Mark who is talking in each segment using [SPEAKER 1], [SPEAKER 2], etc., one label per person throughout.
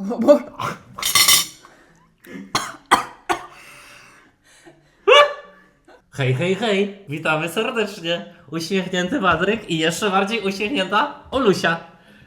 [SPEAKER 1] Hej, hej, hej! Witamy serdecznie! Uśmiechnięty Patryk i jeszcze bardziej uśmiechnięta Olusia.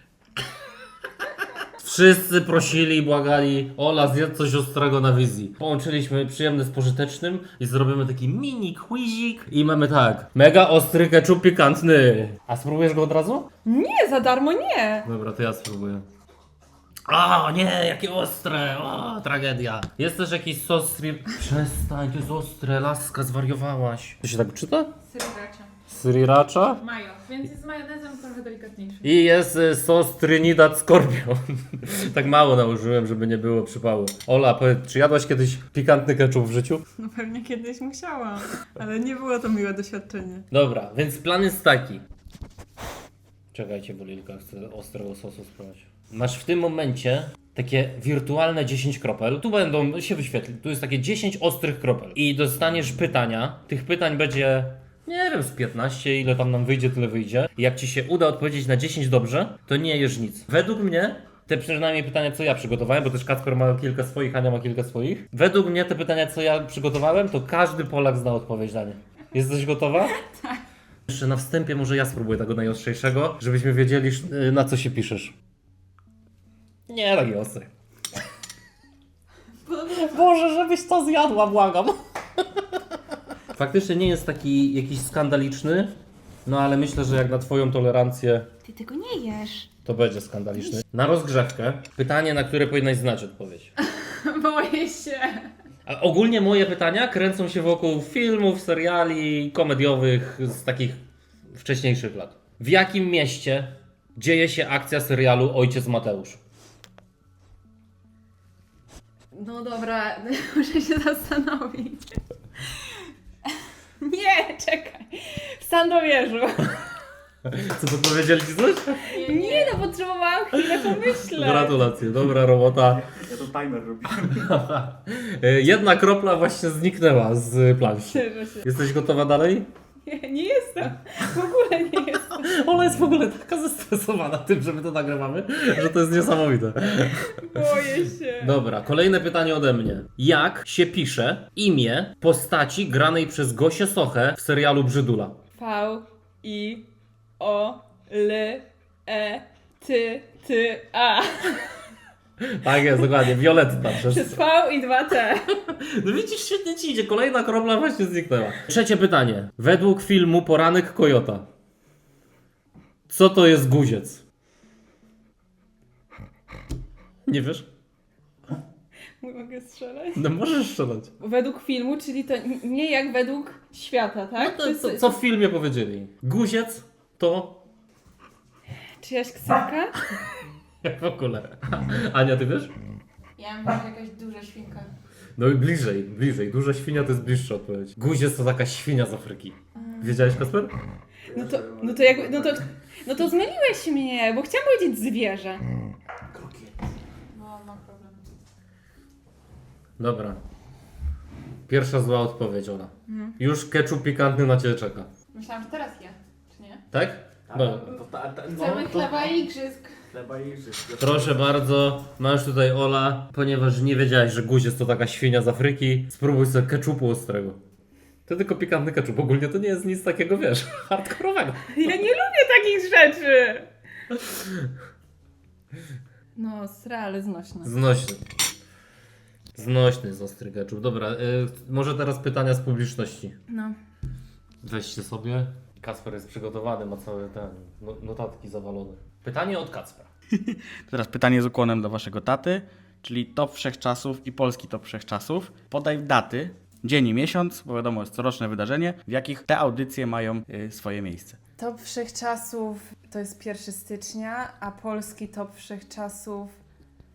[SPEAKER 1] Wszyscy prosili i błagali: Ola, zjedz coś ostrego na wizji. Połączyliśmy przyjemne z pożytecznym i zrobimy taki mini quizik. I mamy tak: mega ostry ketchup pikantny. A spróbujesz go od razu?
[SPEAKER 2] Nie, za darmo nie.
[SPEAKER 1] Dobra, to ja spróbuję. O nie, jakie ostre! O, tragedia. Jest też jakiś sos Przestań, to jest ostre, laska, zwariowałaś. To się tak czyta?
[SPEAKER 2] Sriracha.
[SPEAKER 1] Sriracha?
[SPEAKER 2] Mayo, więc jest z majonezem trochę delikatniejszy.
[SPEAKER 1] I jest sos Trinidad Scorpion. Tak mało nałożyłem, żeby nie było przypału. Ola, powiedz, czy jadłaś kiedyś pikantny ketchup w życiu?
[SPEAKER 2] No pewnie kiedyś musiałam, ale nie było to miłe doświadczenie.
[SPEAKER 1] Dobra, więc plan jest taki. Czekajcie, bo Lilka chce ostrego sosu spróbować. Masz w tym momencie takie wirtualne 10 kropel. Tu będą się wyświetlić. Tu jest takie 10 ostrych kropel. I dostaniesz pytania. Tych pytań będzie, nie wiem, z 15, ile tam nam wyjdzie, tyle wyjdzie. I jak ci się uda odpowiedzieć na 10 dobrze, to nie jesz nic. Według mnie, te przynajmniej pytania, co ja przygotowałem, bo też Kacper ma kilka swoich, Ania ma kilka swoich. Według mnie te pytania, co ja przygotowałem, to każdy Polak zna odpowiedź na nie. Jesteś gotowa? Tak. Jeszcze na wstępie może ja spróbuję tego najostrzejszego, żebyśmy wiedzieli, na co się piszesz. Nie, taki ostry. Boże, żebyś to zjadła, błagam. Faktycznie nie jest taki jakiś skandaliczny, no ale myślę, że jak na twoją tolerancję
[SPEAKER 3] Ty tego nie jesz.
[SPEAKER 1] to będzie skandaliczny. Na rozgrzewkę pytanie, na które powinnaś znać odpowiedź.
[SPEAKER 2] Boję się.
[SPEAKER 1] A ogólnie moje pytania kręcą się wokół filmów, seriali komediowych z takich wcześniejszych lat. W jakim mieście dzieje się akcja serialu Ojciec Mateusz?
[SPEAKER 2] No dobra, muszę się zastanowić. Nie, czekaj. W Sandomierzu.
[SPEAKER 1] Co, podpowiedzieli ci coś?
[SPEAKER 2] Nie, no potrzebowałam chwilę pomyśleć.
[SPEAKER 1] Gratulacje, dobra robota.
[SPEAKER 4] Ja to timer robię.
[SPEAKER 1] Jedna kropla właśnie zniknęła z planszy.
[SPEAKER 2] Cieszę się.
[SPEAKER 1] Jesteś gotowa dalej?
[SPEAKER 2] Nie jestem. W ogóle nie jestem.
[SPEAKER 1] Ona jest w ogóle taka zestresowana tym, że my to nagrywamy, że to jest niesamowite.
[SPEAKER 2] Boję się.
[SPEAKER 1] Dobra, kolejne pytanie ode mnie. Jak się pisze imię postaci granej przez Gosię Sochę w serialu Brzydula?
[SPEAKER 2] V-I-O-L-E-T-T-A.
[SPEAKER 1] Tak jest, dokładnie, Violetta.
[SPEAKER 2] Przez V i 2T.
[SPEAKER 1] No widzisz, świetnie ci idzie, kolejna kropla właśnie zniknęła. Trzecie pytanie. Według filmu Poranek Kojota, co to jest guziec? Nie wiesz?
[SPEAKER 2] Mogę strzelać?
[SPEAKER 1] No możesz strzelać.
[SPEAKER 2] Według filmu, czyli to nie jak według świata, tak?
[SPEAKER 1] No to, co w filmie powiedzieli? Guziec to...
[SPEAKER 2] Czyjaś ksywka?
[SPEAKER 1] W ogóle. Ania, ty wiesz?
[SPEAKER 2] Ja myślę, że jakaś duża świnka.
[SPEAKER 1] No i bliżej. Duża świnia to jest bliższa odpowiedź. Guziec to taka świnia z Afryki. Wiedziałeś, Kasper?
[SPEAKER 2] No to zmyliłeś mnie, bo chciałam powiedzieć zwierzę. No, mam problem.
[SPEAKER 1] Dobra. Pierwsza zła odpowiedź, Ola. Już ketchup pikantny na ciebie czeka.
[SPEAKER 2] Myślałam, że teraz ja, czy nie?
[SPEAKER 1] Tak? No.
[SPEAKER 2] Chcemy chleba i igrzysk.
[SPEAKER 4] Chleba i igrzysk.
[SPEAKER 1] Proszę bardzo, masz tutaj Ola, ponieważ nie wiedziałeś, że guziec to taka świnia z Afryki, spróbuj sobie ketchupu ostrego. To tylko pikantny ketchup, ogólnie to nie jest nic takiego, wiesz, hardkorowego.
[SPEAKER 2] Ja nie lubię takich rzeczy. No, ale znośne.
[SPEAKER 1] Znośny z ostry ketchup. Dobra, może teraz pytania z publiczności.
[SPEAKER 2] No.
[SPEAKER 1] Weźcie sobie. Kacper jest przygotowany, ma całe te notatki zawalone. Pytanie od Kacpra.
[SPEAKER 4] Teraz pytanie z ukłonem dla waszego taty, czyli top wszechczasów i polski top wszechczasów. Podaj daty, dzień i miesiąc, bo wiadomo, jest coroczne wydarzenie, w jakich te audycje mają swoje miejsce.
[SPEAKER 2] Top wszechczasów to jest 1 stycznia, a polski top wszechczasów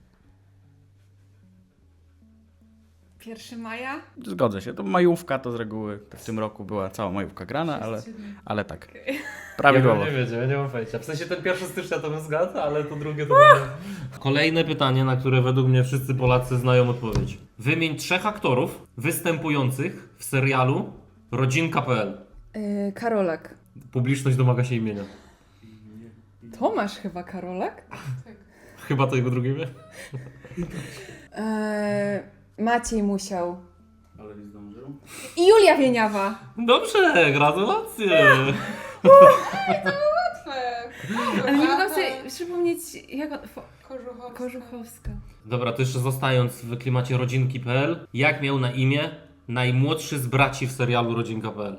[SPEAKER 2] 1 maja?
[SPEAKER 4] Zgodzę się, to majówka to z reguły w tym roku była cała majówka grana, ale tak, prawidłowo.
[SPEAKER 1] Ja nie wiedziałem, ja nie mam pojęcia. W sensie ten 1 stycznia to bym zgadł, ale to drugie to Kolejne pytanie, na które według mnie wszyscy Polacy znają odpowiedź. Wymień 3 aktorów występujących w serialu Rodzinka.pl.
[SPEAKER 2] Karolak.
[SPEAKER 1] Publiczność domaga się imienia.
[SPEAKER 2] Tomasz chyba Karolak?
[SPEAKER 1] Chyba to jego drugie imię.
[SPEAKER 2] Maciej Musiał.
[SPEAKER 4] Ale nie zdążył.
[SPEAKER 2] I Julia Wieniawa.
[SPEAKER 1] Dobrze, gratulacje.
[SPEAKER 2] Ale nie mogłam sobie przypomnieć, jak on...
[SPEAKER 3] Kożuchowska.
[SPEAKER 2] Kożuchowska.
[SPEAKER 1] Dobra, to jeszcze zostając w klimacie rodzinki.pl, jak miał na imię najmłodszy z braci w serialu Rodzinka.pl?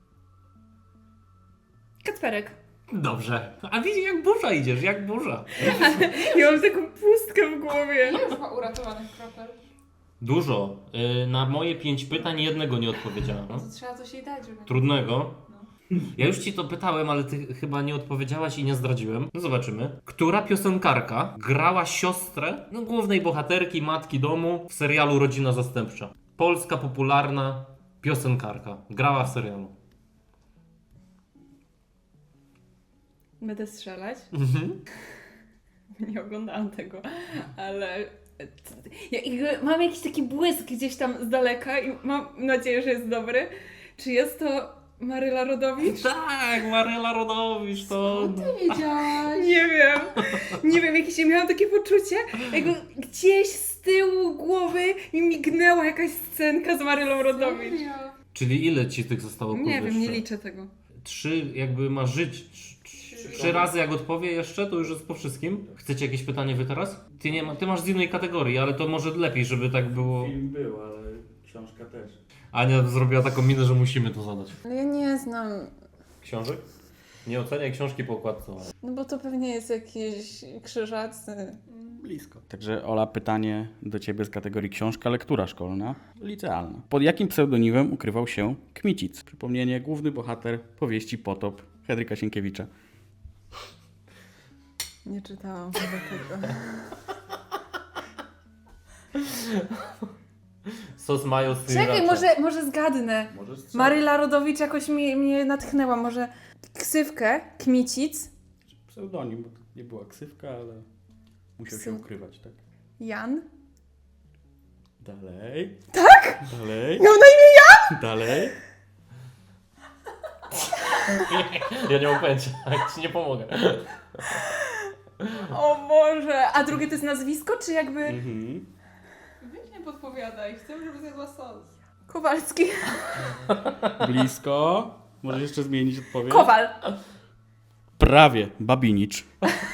[SPEAKER 2] Kacperek.
[SPEAKER 1] Dobrze. A widzisz, jak burza idziesz, jak burza.
[SPEAKER 2] Ja mam taką pustkę w głowie.
[SPEAKER 3] Ile już ma uratowanych kropel?
[SPEAKER 1] Dużo. Na moje 5 pytań jednego nie odpowiedziałem.
[SPEAKER 3] To trzeba coś jej dać, żeby...
[SPEAKER 1] Trudnego. Ja już ci to pytałem, ale ty chyba nie odpowiedziałaś i nie zdradziłem. No zobaczymy. Która piosenkarka grała siostrę głównej bohaterki, matki domu w serialu Rodzina Zastępcza? Polska popularna piosenkarka. Grała w serialu.
[SPEAKER 2] Będę strzelać. Nie oglądałam tego, ale mam jakiś taki błysk gdzieś tam z daleka i mam nadzieję, że jest dobry. Czy jest to Maryla Rodowicz?
[SPEAKER 1] Tak, Maryla Rodowicz to...
[SPEAKER 3] Ty wiedziałaś?
[SPEAKER 2] Nie wiem. Nie wiem, miałam takie poczucie, jakby gdzieś z tyłu głowy mi mignęła jakaś scenka z Marylą Rodowicz.
[SPEAKER 3] Serio?
[SPEAKER 1] Czyli ile ci tych zostało?
[SPEAKER 2] Nie
[SPEAKER 1] kurde,
[SPEAKER 2] wiem, nie
[SPEAKER 1] jeszcze?
[SPEAKER 2] liczę tego.
[SPEAKER 1] 3 jakby ma żyć. 3 razy jak odpowie jeszcze, to już jest po wszystkim. Chcecie jakieś pytanie wy teraz? Ty masz z innej kategorii, ale to może lepiej, żeby tak było.
[SPEAKER 4] Film był, ale książka też.
[SPEAKER 1] Ania zrobiła taką minę, że musimy to zadać.
[SPEAKER 2] Ale ja nie znam,
[SPEAKER 1] Książek? Nie oceniaj książki po okładce.
[SPEAKER 2] no bo to pewnie jest jakiś krzyżacy.
[SPEAKER 4] Blisko. Także Ola, pytanie do Ciebie z kategorii książka, lektura szkolna, licealna. Pod jakim pseudonimem ukrywał się Kmicic? Przypomnienie, główny bohater powieści Potop Henryka Sienkiewicza.
[SPEAKER 2] Nie czytałam chyba tego.
[SPEAKER 1] Sos mayo z
[SPEAKER 2] Czekaj, może zgadnę. Maryla Rodowicz jakoś mnie natchnęła. Może ksywkę, Kmicic,
[SPEAKER 4] Pseudonim, bo to nie była ksywka, ale musiał się ukrywać, tak?
[SPEAKER 2] Jan.
[SPEAKER 4] Dalej.
[SPEAKER 2] Tak?
[SPEAKER 4] Dalej.
[SPEAKER 2] Miał na imię Jan?
[SPEAKER 4] Dalej.
[SPEAKER 1] Ja nie mam pojęcia, ci nie pomogę.
[SPEAKER 2] O Boże. A drugie to jest nazwisko, czy jakby...
[SPEAKER 3] Weź nie podpowiadaj, chcę, żeby zjadła sos.
[SPEAKER 2] Kowalski.
[SPEAKER 4] Blisko. Możesz jeszcze zmienić odpowiedź?
[SPEAKER 2] Kowal.
[SPEAKER 4] Prawie. Babinicz.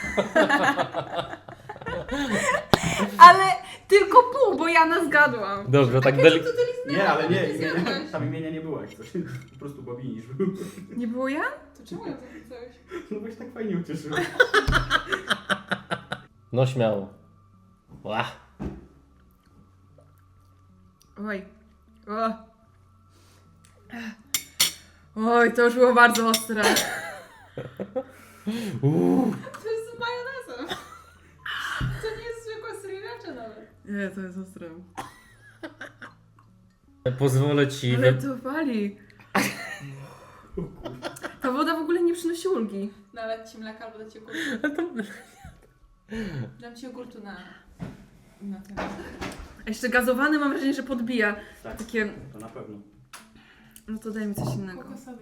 [SPEAKER 2] Ale tylko pół, bo Jana zgadłam.
[SPEAKER 1] Dobrze, tak
[SPEAKER 4] Nie, ale nie.
[SPEAKER 3] zjadłeś.
[SPEAKER 4] Tam imienia nie było jak coś. Po prostu Babinicz był.
[SPEAKER 2] Nie było Jan?
[SPEAKER 3] To czemu ją zapisałeś?
[SPEAKER 4] No bo się tak fajnie ucieszył.
[SPEAKER 1] No śmiało. Ła.
[SPEAKER 2] Oj. O. Oj, to już było bardzo ostre.
[SPEAKER 3] To jest z majonezem. To nie jest zwykła sriracha nawet.
[SPEAKER 2] Nie, to jest ostre.
[SPEAKER 1] Pozwolę ci...
[SPEAKER 2] Ale to wali. Ta woda w ogóle nie przynosi ulgi.
[SPEAKER 3] Nalać ci mleka albo dać ci ogórtu. Dam ci ogórtu na ten.
[SPEAKER 2] A jeszcze gazowany mam wrażenie, że podbija.
[SPEAKER 4] Tak,
[SPEAKER 2] Takie,
[SPEAKER 4] to na pewno.
[SPEAKER 2] no to daj mi coś innego.
[SPEAKER 3] Kokosowy.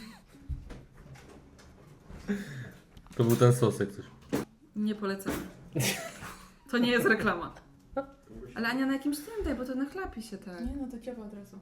[SPEAKER 1] To był ten sos jak coś.
[SPEAKER 2] Nie polecam. To nie jest reklama. Ale Ania na jakimś tym daj, bo to nachlapi się tak.
[SPEAKER 3] Nie, no to ciepło od razu.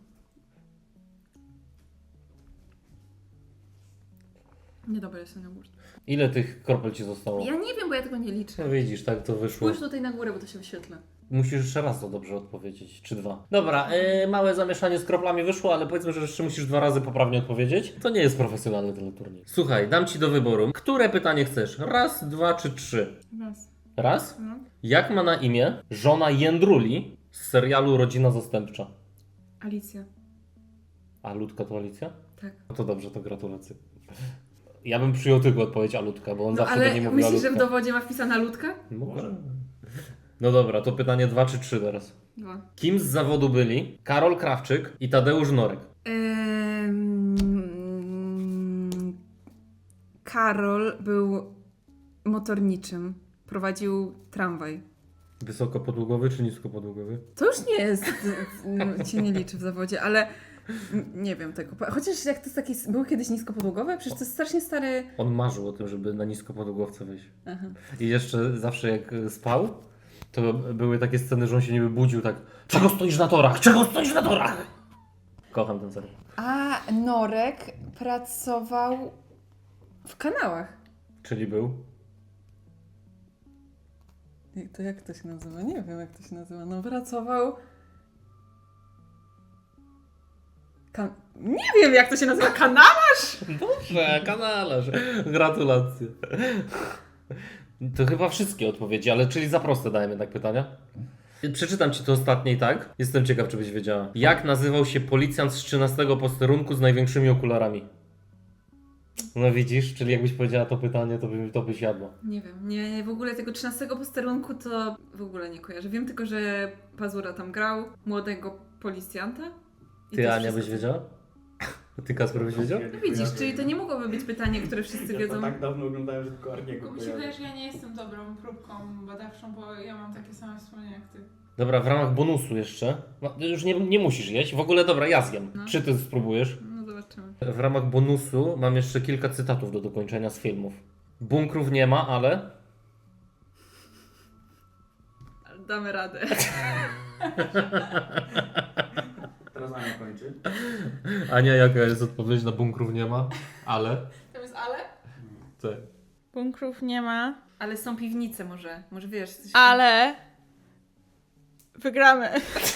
[SPEAKER 2] Niedobre jest ten jogurt.
[SPEAKER 1] Ile tych kropel ci zostało?
[SPEAKER 2] Ja nie wiem, bo ja tego nie liczę.
[SPEAKER 1] No widzisz, tak to wyszło.
[SPEAKER 2] Spójrz tutaj na górę, bo to się wyświetla.
[SPEAKER 1] Musisz jeszcze raz to dobrze odpowiedzieć, czy 2. Dobra, małe zamieszanie z kroplami wyszło, ale powiedzmy, że jeszcze musisz 2 razy poprawnie odpowiedzieć. To nie jest profesjonalny teleturniej. Słuchaj, dam ci do wyboru. Które pytanie chcesz? 1, 2 czy 3?
[SPEAKER 2] Raz.
[SPEAKER 1] Raz?
[SPEAKER 2] No.
[SPEAKER 1] Jak ma na imię żona Jędruli z serialu Rodzina Zastępcza?
[SPEAKER 2] Alicja.
[SPEAKER 1] A Ludka to Alicja?
[SPEAKER 2] Tak.
[SPEAKER 1] No to dobrze, to gratulacje. Ja bym przyjął tylko odpowiedź Alutka, bo on
[SPEAKER 2] No
[SPEAKER 1] zawsze
[SPEAKER 2] ale
[SPEAKER 1] będzie mówił
[SPEAKER 2] myślisz, że
[SPEAKER 1] Alutka.
[SPEAKER 2] w dowodzie ma wpisana ludka?
[SPEAKER 1] Może. No dobra, to pytanie 2 czy 3 teraz.
[SPEAKER 2] 2.
[SPEAKER 1] Kim z zawodu byli Karol Krawczyk i Tadeusz Norek?
[SPEAKER 2] Karol był motorniczym. Prowadził tramwaj.
[SPEAKER 1] Wysokopodługowy czy niskopodługowy?
[SPEAKER 2] To już nie jest, się nie liczy w zawodzie, ale Nie wiem tego. Chociaż jak to jest takie... Były kiedyś niskopodłogowe? Przecież to jest strasznie stary...
[SPEAKER 1] On marzył o tym, żeby na niskopodłogowce wyjść.
[SPEAKER 2] Aha.
[SPEAKER 1] I jeszcze zawsze jak spał, to były takie sceny, że on się niby budził tak: czego stoisz na torach? Czego stoisz na torach? Kocham ten serial.
[SPEAKER 2] A Norek pracował w kanałach.
[SPEAKER 1] Czyli był?
[SPEAKER 2] To jak to się nazywa? Nie wiem jak to się nazywa. No pracował... Nie wiem jak to się nazywa. Kanał?
[SPEAKER 1] Dobrze, kanalarz. Gratulacje. To chyba wszystkie odpowiedzi, ale czyli za proste dajemy jednak pytania. Przeczytam ci to ostatnie i tak. Jestem ciekaw, czy byś wiedziała. Jak nazywał się policjant z 13 posterunku z największymi okularami? No widzisz, czyli jakbyś powiedziała to pytanie, to byś jadła.
[SPEAKER 2] Nie wiem. Nie, w ogóle tego 13 posterunku to w ogóle nie kojarzę. Wiem tylko, że Pazura tam grał. Młodego policjanta. I
[SPEAKER 1] Ty,
[SPEAKER 2] to
[SPEAKER 1] Ania,
[SPEAKER 2] wszystko.
[SPEAKER 1] byś wiedziała? Ty, Kasper, byś wiedział?
[SPEAKER 2] No widzisz, czyli to nie mogłoby być pytanie, które wszyscy
[SPEAKER 4] Ja
[SPEAKER 2] wiedzą.
[SPEAKER 4] to tak dawno oglądałem, że tylko Arniego
[SPEAKER 3] Tylko mi się
[SPEAKER 4] kojarzę.
[SPEAKER 3] wydaje, że ja nie jestem dobrą próbką badawczą, bo ja mam takie same wspomnienia jak ty.
[SPEAKER 1] Dobra, w ramach bonusu jeszcze. No, już nie musisz jeść. W ogóle dobra, ja zjem.
[SPEAKER 2] No.
[SPEAKER 1] Czy ty spróbujesz?
[SPEAKER 2] No zobaczymy.
[SPEAKER 1] W ramach bonusu mam jeszcze kilka cytatów do dokończenia z filmów. Bunkrów nie ma, ale...
[SPEAKER 2] Damy radę.
[SPEAKER 4] Teraz Ania kończy.
[SPEAKER 1] Ania, jaka jest odpowiedź na bunkrów nie ma, ale...
[SPEAKER 3] Tam jest ale?
[SPEAKER 1] Tak.
[SPEAKER 5] Bunkrów nie ma,
[SPEAKER 2] Ale są piwnice może. Może wiesz. Coś
[SPEAKER 5] ale wygramy.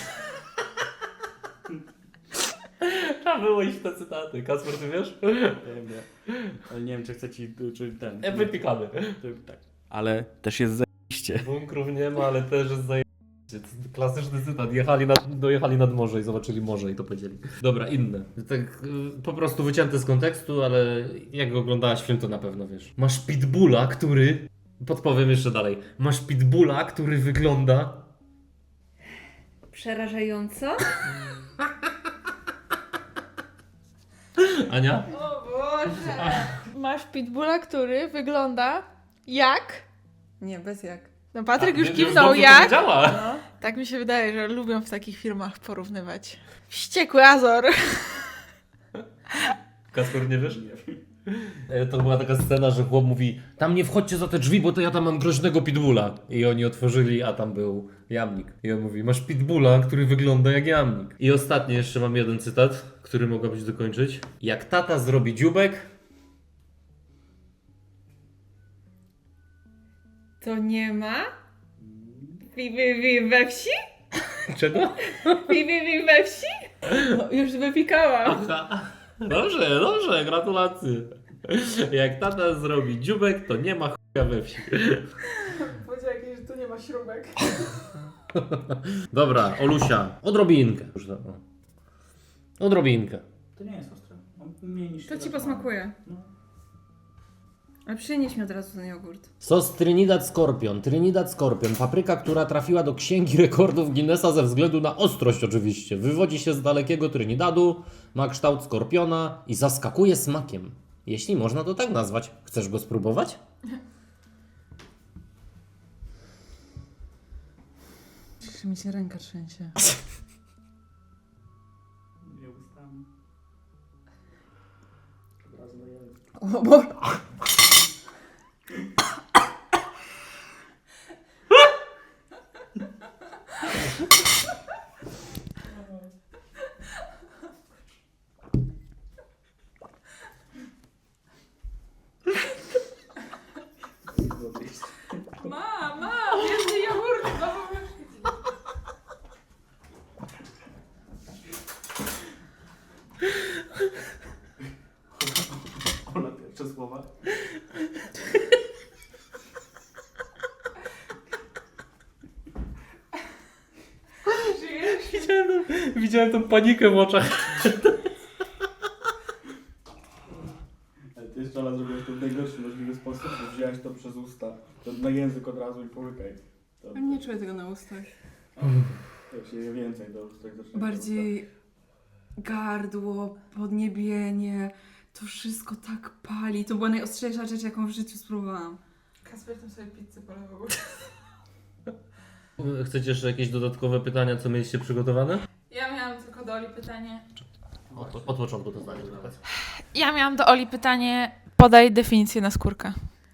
[SPEAKER 1] Trzeba było iść w te cytaty. Kasper, ty wiesz?
[SPEAKER 4] Wiem. Ale nie wiem, czy chcę ci... Czy ten...
[SPEAKER 1] Wypikamy.
[SPEAKER 4] Tak. Ale też jest zajebiście.
[SPEAKER 1] Bunkrów nie ma, ale też jest zajebiście. Klasyczny cytat. Dojechali nad morze i zobaczyli morze i to powiedzieli. Dobra, inne. Tak po prostu wycięte z kontekstu, ale jak oglądałaś film, to na pewno wiesz. Masz pitbulla, który... Podpowiem jeszcze dalej. Masz pitbulla, który wygląda...
[SPEAKER 2] Przerażająco?
[SPEAKER 1] Ania?
[SPEAKER 3] O Boże!
[SPEAKER 5] Masz pitbulla, który wygląda jak...
[SPEAKER 2] Nie, bez jak.
[SPEAKER 5] No Patryk już
[SPEAKER 1] Już
[SPEAKER 5] kiwnął
[SPEAKER 1] dobrze
[SPEAKER 5] jak.
[SPEAKER 1] powiedziała.
[SPEAKER 2] No.
[SPEAKER 5] Tak mi się wydaje, że lubią w takich filmach porównywać. Wściekły Azor.
[SPEAKER 1] Kasper, nie wiesz? To była taka scena, że chłop mówi: tam nie wchodźcie za te drzwi, bo to ja tam mam groźnego pitbulla. I oni otworzyli, a tam był jamnik. I on mówi: masz pitbulla, który wygląda jak jamnik. I ostatni jeszcze mam jeden cytat, który mogłabyś dokończyć. Jak tata zrobi dziubek,
[SPEAKER 2] To nie ma? We wsi?
[SPEAKER 1] czego?
[SPEAKER 2] We wsi? No, już wypikałam.
[SPEAKER 1] Dobrze, gratulacje. Jak tata zrobi dziubek, to nie ma chuja we wsi.
[SPEAKER 3] Powiedział jakieś, że tu nie ma śrubek.
[SPEAKER 1] Dobra, Olusia, odrobinkę. Już to, o. Odrobinkę.
[SPEAKER 4] To nie jest ostre. Mniej niż
[SPEAKER 2] To ci
[SPEAKER 4] tyle,
[SPEAKER 2] posmakuje.
[SPEAKER 4] No.
[SPEAKER 2] Ale przynieś mi od razu ten jogurt.
[SPEAKER 1] Sos Trinidad Scorpion. Trinidad Scorpion. Papryka, która trafiła do Księgi Rekordów Guinnessa ze względu na ostrość oczywiście. Wywodzi się z dalekiego Trinidadu, ma kształt skorpiona i zaskakuje smakiem. Jeśli można to tak nazwać. Chcesz go spróbować?
[SPEAKER 2] Czy mi się ręka trzęsie.
[SPEAKER 4] Nie ustami. Od razu na język.
[SPEAKER 2] O Boże.
[SPEAKER 3] Mama, więcej jogurtu, no bo już...
[SPEAKER 4] Ona pierwsze słowa.
[SPEAKER 3] Żyjesz?
[SPEAKER 1] Widziałem tą panikę w oczach.
[SPEAKER 4] Ale ty jeszcze raz zrobiłeś to w najgorszy możliwy sposób, bo wziąłeś to przez usta. To na język od razu i połykaj. To,
[SPEAKER 2] Nie czuję tego na ustach.
[SPEAKER 4] jak się je więcej, to tak zaczyna.
[SPEAKER 2] Bardziej gardło, podniebienie. To wszystko tak pali. To była najostrzejsza rzecz, jaką w życiu spróbowałam.
[SPEAKER 3] Kasper tam sobie pizzę polewał.
[SPEAKER 1] Chcecie jeszcze jakieś dodatkowe pytania, co mieliście przygotowane?
[SPEAKER 3] Ja miałam tylko do Oli pytanie.
[SPEAKER 1] Od początku to zdanie.
[SPEAKER 5] Ja miałam do Oli pytanie, podaj definicję na skórkę.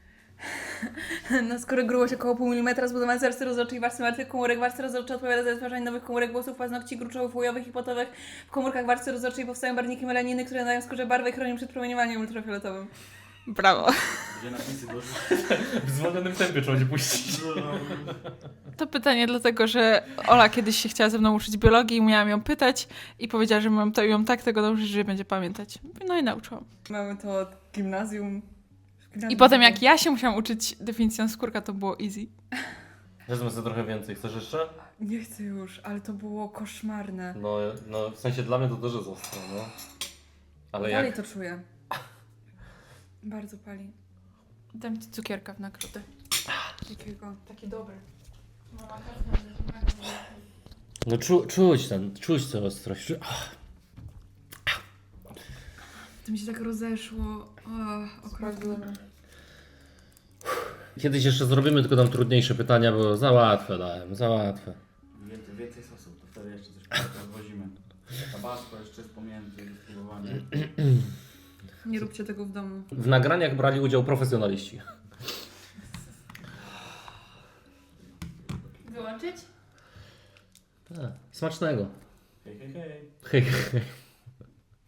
[SPEAKER 2] Na skóry grubość około pół milimetra, zbudowana z warstwy rozrodczej, warstwy martwych komórek. Warstwa rozrodcza odpowiada za wytwarzanie nowych komórek włosów, paznokci, gruczołów, łujowych i potowych. W komórkach warstwy rozrodczej powstają barwniki melaniny, które nadają skórze barwę i chronią przed promieniowaniem ultrafioletowym.
[SPEAKER 5] Brawo.
[SPEAKER 4] Gdzie napisy do...
[SPEAKER 1] W zwolnionym tempie trzeba będzie puścić.
[SPEAKER 5] To pytanie dlatego, że Ola kiedyś się chciała ze mną uczyć biologii i miałam ją pytać i powiedziała, że mam to ją tak tego nauczyć, że będzie pamiętać. No i nauczyłam.
[SPEAKER 2] Mamy to od gimnazjum.
[SPEAKER 5] I potem jak ja się musiałam uczyć definicją skórka, to było easy.
[SPEAKER 1] Wezmę sobie trochę więcej. Chcesz jeszcze?
[SPEAKER 2] Nie chcę już, ale to było koszmarne.
[SPEAKER 1] No w sensie dla mnie to też jest ostre, no. Ale
[SPEAKER 2] Dalej
[SPEAKER 1] jak...
[SPEAKER 2] to czuję. Bardzo pali.
[SPEAKER 5] Dam ci cukierka w nagrodę.
[SPEAKER 2] Jakiego?
[SPEAKER 5] Taki dobry.
[SPEAKER 1] No czuć tę ostrość.
[SPEAKER 2] To mi się tak rozeszło. Okropnie.
[SPEAKER 1] Kiedyś jeszcze zrobimy, tylko dam trudniejsze pytania, bo za łatwe dałem, za łatwe.
[SPEAKER 4] Więcej sosu, to wtedy jeszcze coś rozwozimy. Tabasco jeszcze jest pomiędzy spróbowanie.
[SPEAKER 2] Nie róbcie tego w domu.
[SPEAKER 1] W nagraniach brali udział profesjonaliści.
[SPEAKER 3] Wyłączyć?
[SPEAKER 1] Smacznego.
[SPEAKER 4] Hej, hej, hej.
[SPEAKER 1] Hej, hej.